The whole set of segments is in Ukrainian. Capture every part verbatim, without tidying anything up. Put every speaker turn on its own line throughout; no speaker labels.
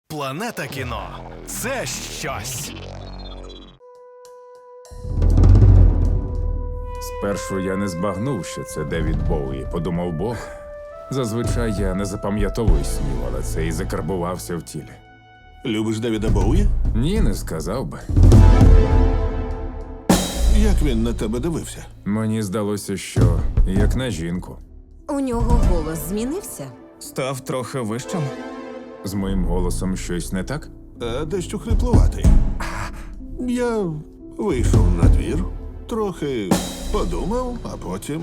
Планета кіно – це щось.
Спершу я не збагнув, що це Девід Боуї, подумав Бог. Зазвичай я не запам'ятовую снів, але це і закарбувався в тілі.
Любиш Девіда Боуї?
Ні, не сказав би.
Як він на тебе дивився?
Мені здалося, що як на жінку.
У нього голос змінився.
Став трохи вищим.
З моїм голосом щось не так?
А дещо хриплуватий. Я вийшов на двір, трохи подумав, а потім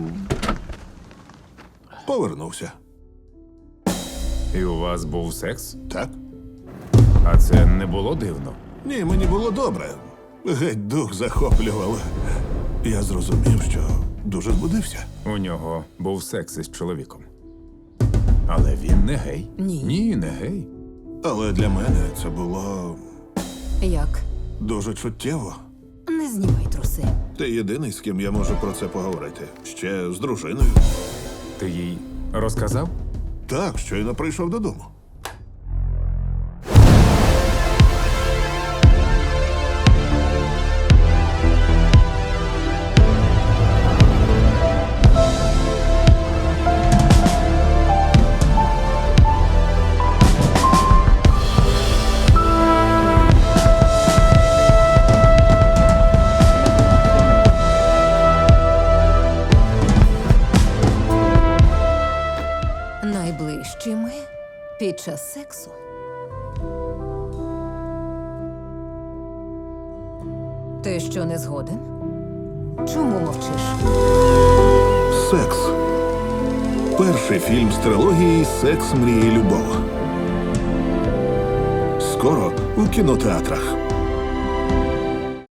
повернувся.
І у вас був секс?
Так?
А це не було дивно?
Ні, мені було добре. Геть дух захоплював. Я зрозумів, що дуже збудився.
У нього був секс із чоловіком. Але він не гей.
Ні.
Ні, не гей.
Але для мене це було
Як?
дуже чуттєво.
Не знімай труси.
Ти єдиний, з ким я можу про це поговорити. Ще з дружиною.
Ти їй розказав?
Так, щойно прийшов додому.
Найближчими під час сексу. Ти що, не згоден? Чому мовчиш?
Секс. Перший фільм з трилогії «Секс, мрії, любов». Скоро у кінотеатрах.